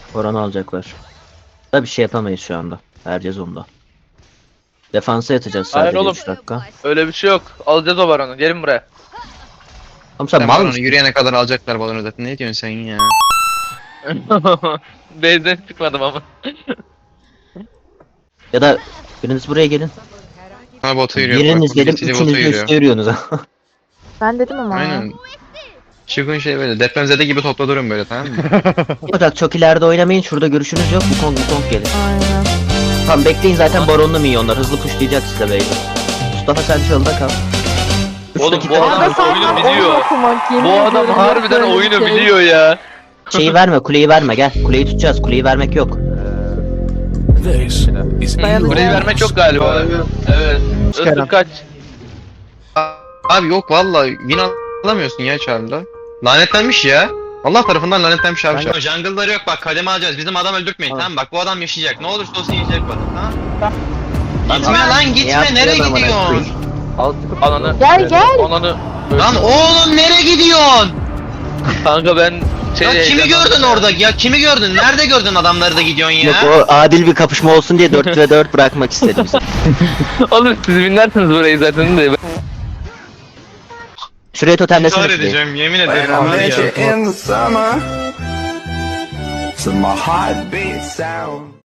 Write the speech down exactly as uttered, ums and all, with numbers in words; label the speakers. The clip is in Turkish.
Speaker 1: Oranı alacaklar. Da bir şey yapamayız şu anda. Herkes onda. Defansa yatacağız
Speaker 2: Hayır
Speaker 1: sadece
Speaker 2: oğlum.
Speaker 1: üç dakika.
Speaker 2: Öyle bir şey yok. Alacağız o baronu. Gelin buraya.
Speaker 1: Oğlum sen
Speaker 3: Sen
Speaker 1: mal
Speaker 3: balonu
Speaker 1: mısın?
Speaker 3: yürüyene kadar alacaklar balonu zaten. Ne diyorsun sen ya?
Speaker 2: Base'den çıkmadım ama.
Speaker 1: Ya da biriniz buraya gelin.
Speaker 3: Ha bota yürüyor.
Speaker 1: Biriniz
Speaker 3: Bak,
Speaker 1: gelin,
Speaker 3: City bota
Speaker 1: üçünüz de
Speaker 3: yürüyor.
Speaker 1: üstte yürüyorsunuz.
Speaker 4: Ben dedim ama.
Speaker 3: Aynen. Çıkın şey böyle depremzede gibi topla durun böyle, tamam mı?
Speaker 1: Fakat çok ileride oynamayın. Şurada görüşünüz yok. Bu kong bu kong gelin.
Speaker 4: Aynen.
Speaker 1: Tamam bekleyin, zaten baronlu minyonlar. Hızlı pushlayacak size beyler. Mustafa sen çalda kal. Üç
Speaker 2: Oğlum,
Speaker 1: dakika
Speaker 2: bu
Speaker 1: daha-
Speaker 2: adam-
Speaker 4: Arada
Speaker 2: oyunu
Speaker 4: senden
Speaker 2: biliyor.
Speaker 4: oyun okumak, yemin
Speaker 2: Bu adam
Speaker 4: ediyorum,
Speaker 2: harbiden
Speaker 4: böyle bir
Speaker 2: oyunu
Speaker 4: şey.
Speaker 2: biliyor ya.
Speaker 1: Şeyi verme, kuleyi verme, gel. Kuleyi tutacağız. Kuleyi vermek yok.
Speaker 5: This is
Speaker 4: Dayanacağım.
Speaker 2: Burayı vermek yok galiba. Evet. Özür kaç.
Speaker 3: Abi yok valla win alamıyorsun ya Charlie'da. Lanetlenmiş ya. Allah tarafından lanetlenmiş abi. Charlie. Jungle'ları yok bak, kademe alacağız. Bizim adam öldürtmeyin, tamam, bak bu adam yaşayacak. Ne olursa olsun yaşayacak bu adam, tamam. Gitme lan gitme,
Speaker 1: yaptı
Speaker 3: nereye
Speaker 1: adam bana?
Speaker 3: gidiyorsun?
Speaker 2: Ananı.
Speaker 4: Gel gel.
Speaker 2: Ananı.
Speaker 3: Lan oğlum nereye gidiyorsun?
Speaker 2: Kanka ben şey
Speaker 3: Ya kimi gördün orada? Ya kimi gördün? Nerede gördün adamları da gidiyorsun ya?
Speaker 1: Yok, o adil bir kapışma olsun diye dört ve dört bırakmak istedim.
Speaker 2: Oğlum siz binlersiniz burayı zaten de.
Speaker 1: Şuraya totemlesene
Speaker 3: İntihar
Speaker 1: kuleyi.
Speaker 3: edeceğim yemin
Speaker 6: When
Speaker 3: ederim.
Speaker 6: I
Speaker 3: var
Speaker 6: met
Speaker 3: ya.
Speaker 6: you in the summer, to my heartbeat sound.